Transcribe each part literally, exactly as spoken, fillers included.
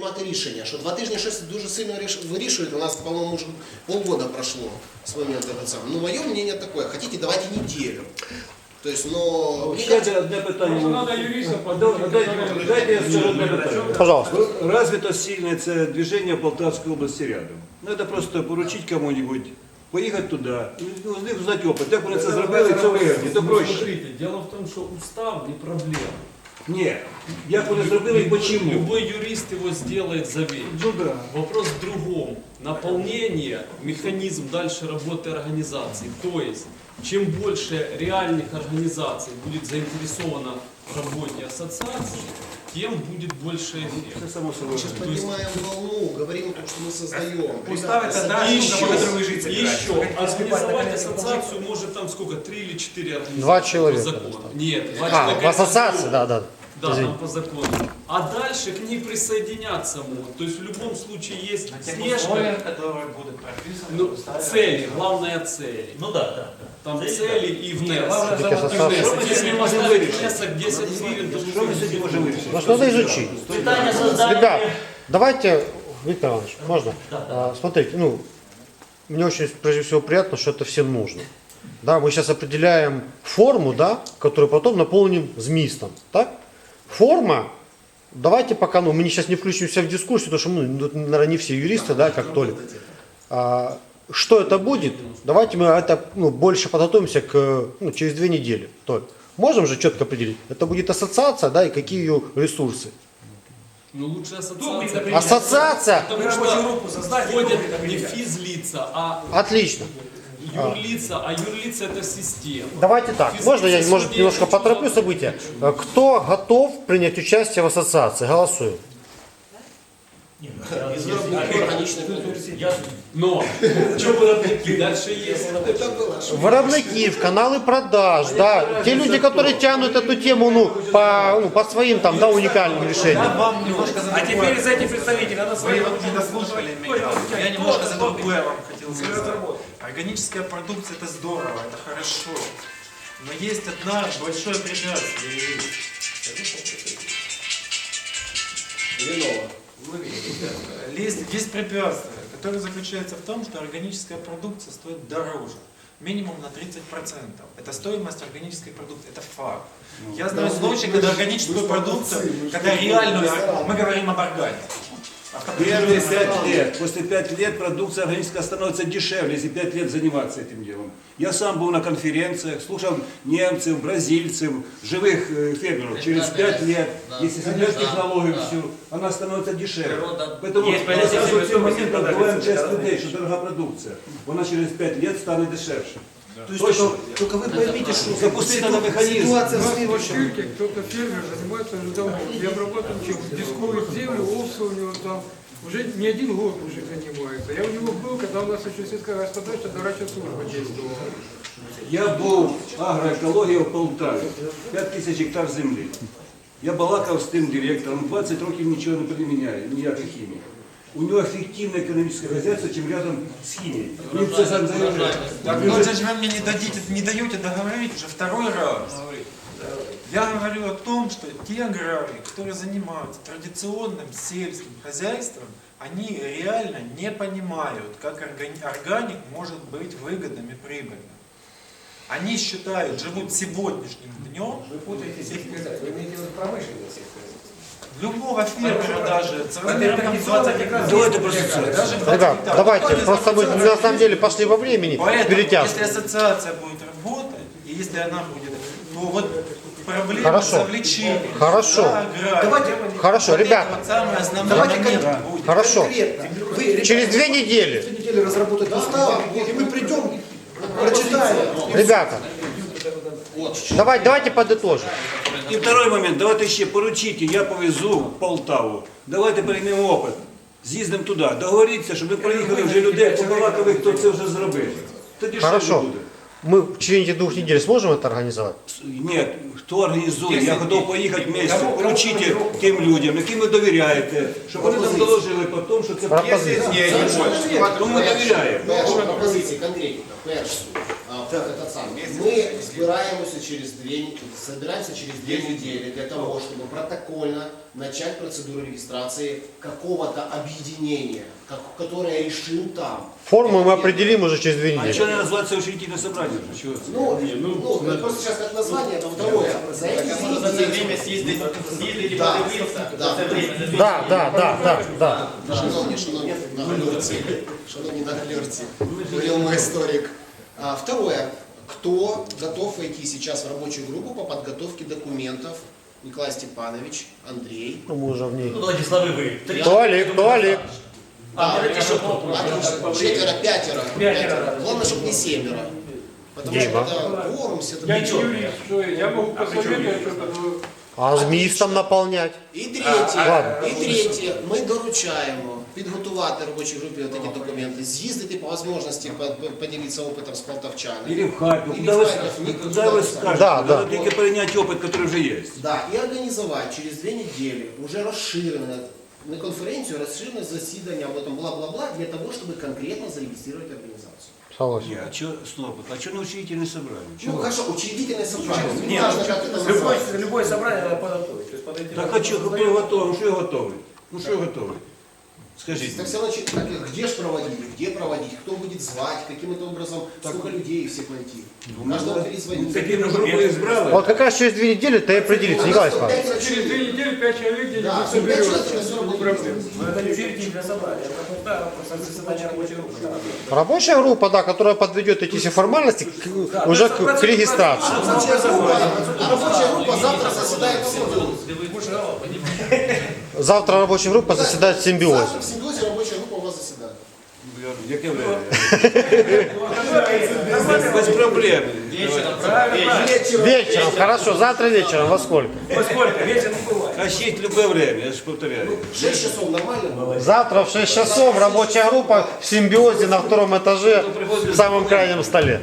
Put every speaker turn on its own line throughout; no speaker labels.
приймати рішення, що два тижні щось дуже сильно вирішують, у нас, по-моєму, уже полгода прошло с момента этого самого. Ну, мое мнение такое, хотите, давайте неделю. То есть, но...
Ще одне питання. Дайте я скажу одне питання.
Пожалуйста.
Развито сильное це движение в Полтавской области рядом. Ну, это просто поручить кому-нибудь, поїхати туди, з них узнати опит. Як вони це зробили, це вигідно, то проще.
Смотрите, дело в том, что устав не проблема.
Ні, як вони зробили і почему.
Любой юрист его сделает за вечер.
Ну да.
Вопрос в другом. Наполнение, механизм дальше работы организации. То есть, чем больше реальных организаций будет заинтересовано в работе ассоциации, тем будет больше эффект.
Це само собою.
Мы сейчас поднимаем волну, говорим о том, что мы создаем.
Устав это да,
И
что
еще,
вы жить
и еще, организовать ассоциацию может там сколько, три или четыре организации.
Два человека
по закону. Нет, два
А,
человека.
в ассоциации, да, да.
Да,
Извини.
там по закону. А дальше к ней присоединяться могут. То есть в любом случае есть слежка.
которые будут прописаны
Ну,
в уставе.
цели, главная цель.
Ну да, да.
Там цели и внесок.
Все-таки ассоциация.
Внесок. Если мы поставили внесок десять гривен, то
Що ми сьогодні можемо вирішити?
Ну, что надо изучить. Ребят, давайте, Виктор Иванович, можно? А, смотрите, ну, мне очень, прежде всего, приятно, что это всем нужно. Да, мы сейчас определяем форму, да, которую потом наполним змистом, так? Форма, давайте пока, ну, мы сейчас не включимся в дискуссию, потому что мы, ну, наверное, не все юристы, да, как Толик. А, что это будет? Давайте мы это, ну, больше подготовимся к, ну, через две недели. Толик, можем же четко определить? Это будет ассоциация, да, и какие ее ресурсы?
Ну лучше ассоциация.
Ассоциация?
Потому что входят не физлица, а
Отлично.
юрлица, а юрлица это система.
Давайте так, можно я, может, немножко потороплю события? Кто готов принять участие в ассоциации? Голосуем.
Но дальше есть.
Виробники, каналы продаж, да, те люди, которые тянут эту тему, ну, по, ну, по своим там, да, уникальным решениям.
А теперь из этих представителей надо свои не дослушали меня. Я немножко за другое вам хотел сказать. Органическая продукция это здорово, это хорошо. Но есть одна большое препятствие. Есть, есть препятствие, которое заключается в том, что органическая продукция стоит дороже. Минимум на тридцать процентов. Это стоимость органической продукции, это факт. Я знаю случаи, когда органическую продукцию, когда реальную, мы говорим об органике.
Первые пять лет, после пяти лет продукция органическая становится дешевле, если пять лет заниматься этим делом. Я сам был на конференциях, слушал немцев, бразильцев, живых фермеров. Через пять лет, если соблюдать технологию всю, она становится дешевле. Поэтому сразу в тот момент отбываем часть людей, что дорогая продукция. Она через пять лет станет дешевле.
То есть только, только вы поймите, что
запустить надо механизм.
ситуация в
В
следующем.
Ирке кто-то фермер занимается уже давно. Я обрабатываю чем? Дискует землю, овцы у него там. Уже не один год уже занимается. Я у него был, когда у нас еще сельская господарство, дорачья служба действовала.
Я був агроекологія в Полтаві, п'ять тисяч гектар землі. Я балакав з тим директором, двадцять років нічого не приміняє, ніякої хімії. У нього ефективне економічне хазяйство, чим рядом з хімією. Він це сам заявляє.
Так вот же вы мне не дадите, не даете договорить уже второй раз. Я говорю о том, что те аграрии, которые занимаются традиционным сельским хозяйством, они реально не понимают, как органик может быть выгодным и прибыльным. Они считают, живут сегодняшним днем.
Вы путаетесь, вы имеете в виду промышленный сельскохозяйство.
Любого фермера даже, с размером там двадцать гектаров.
Давайте просто
Даже
Ребят, давайте, просто мы на самом деле пошли во времени,
Поэтому,
перетяжку.
если ассоциация будет работать, и если она будет, то вот проблема
Хорошо.
завлечения.
Хорошо.
Да,
Давайте,
Хорошо,
вот
ребята,
это вот самое основное
давайте
момент
кон-
будет.
хорошо.
конкретно. Вы, ребята,
Через две недели,
две недели разработать устав, и мы придем, прочитаем.
ребята, давайте, давайте подытожим.
І второй момент, давайте ще поручите, я повезу в Полтаву. Давайте приймемо опит. З'їздимо туди, договоріться, щоб ми приїхали вже людей, побалакали, хто це вже зробив. Тоді що
Хорошо.
буде?
Мы в течение двух недель сможем это организовать?
Ні, хто організує, я готов поїхати вместе, поручите тим людям, яким ви довіряєте, щоб вони нам доложили по тому, що це
Пропозиція.
Тому ми довіряємо.
Перша пропозиція конкретно. Перше. а, этот сам. Мы собираемся через две, не- собираемся через две недели для того, чтобы протокольно начать процедуру регистрации какого-то объединения, как- которое решим там.
Форму мы
Это
определим уже через две
А
недели.
что не называется учредительное собрание? же? Чего?
Ну, ну, это просто сейчас как название, это второе. За эти две недели.
съездить, съездить
Да,
подивитися,
да.
за це время. за дві
Да, да, да, да, да.
Шановні, шановні наглядці, шановні наглядці, говорил мой историк. А, второе. Кто готов войти сейчас в рабочую группу по подготовке документов? Николай Степанович, Андрей.
Ну, мы уже в ней.
Ну, Владислав, ви. Три.
Кто Олег, кто Олег?
А,
Да,
давайте еще кто?
отлично. Четверо, пятеро. Пятеро. Главное, чтобы не семеро. Потому что
Дима.
когда кворум, все это
Я не
ничего.
юрист, что я могу посоветовать что-то, но
А змістом наполнять?
І третє,
ладно.
і третє, ми доручаємо підготувати робочій групі от такі документи, з'їздити по можливості, по- по- поділитися опитом з полтавчанами.
Или в Харьков.
Или
Куда
в
вы,
Харьков, никуда
куда вы
не
скажете?
Да, да.
Надо только перенять опыт, который уже есть.
Да, і організувати через дві неділі уже розширене, не конференцію, а розширене засідання, об этом бла-бла-бла, для того, щоб конкретно зарегистрировать организацию.
Согласен.
Не, а что, стоп, а что на учредительное собрание?
Ну
Чего?
хорошо, учредительное собрание, не
Нет,
важно, как это
Любое,
называется.
любое собрание надо подготовить. То есть подойти
Так
на-
а что, кто готовый? Ну что я готовый? Ну что я готовый? Скажите.
Так все равно, че- так, где же проводить, где проводить, кто будет звать, каким-то образом, сколько людей всех найти. Каждого перезвонить.
Такие на группу избрали?
Вот как раз через две недели ты и определится, Николай Степанович.
через две недели пять человек где-нибудь
Да, пять
соберется.
человек это все равно
Не проблема.
Но это не учредительное собрание, это просто, просто заседание рабочей группы.
Рабочая группа, да, которая подведет эти все формальности к- уже к, к регистрации.
Рабочая группа, а рабочая группа завтра заседает в симбиозе.
Завтра рабочая группа заседает в симбиозе.
Завтра в симбиозе рабочая группа у вас заседает.
Як без проблем.
Вечером, хорошо, завтра вечером, во сколько?
Во сколько? Вечер не бывает.
Кащить в любое время, я же повторяю.
шесть часов нормально?
Завтра в шесть часов рабочая группа в симбиозе на втором этаже в самом крайнем столе.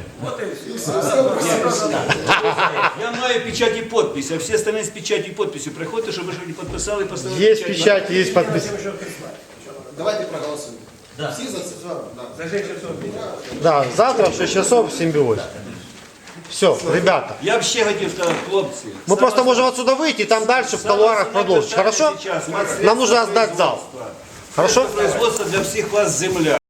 Я маю печать и подпись, а все остальные с печатью и подписью приходят, чтобы что-нибудь подписал и поставил
Есть печать, есть подпись.
Давайте проголосуем. Все за да.
За шесть часов.
Да, завтра в шесть часов в симбиозе. Все, ребята.
Я вообще хотел сказать, хлопцы.
Мы просто можем отсюда выйти и там дальше в колуарах продолжить. Хорошо? Нам нужно сдать зал. Хорошо?
Производство для всех вас земля.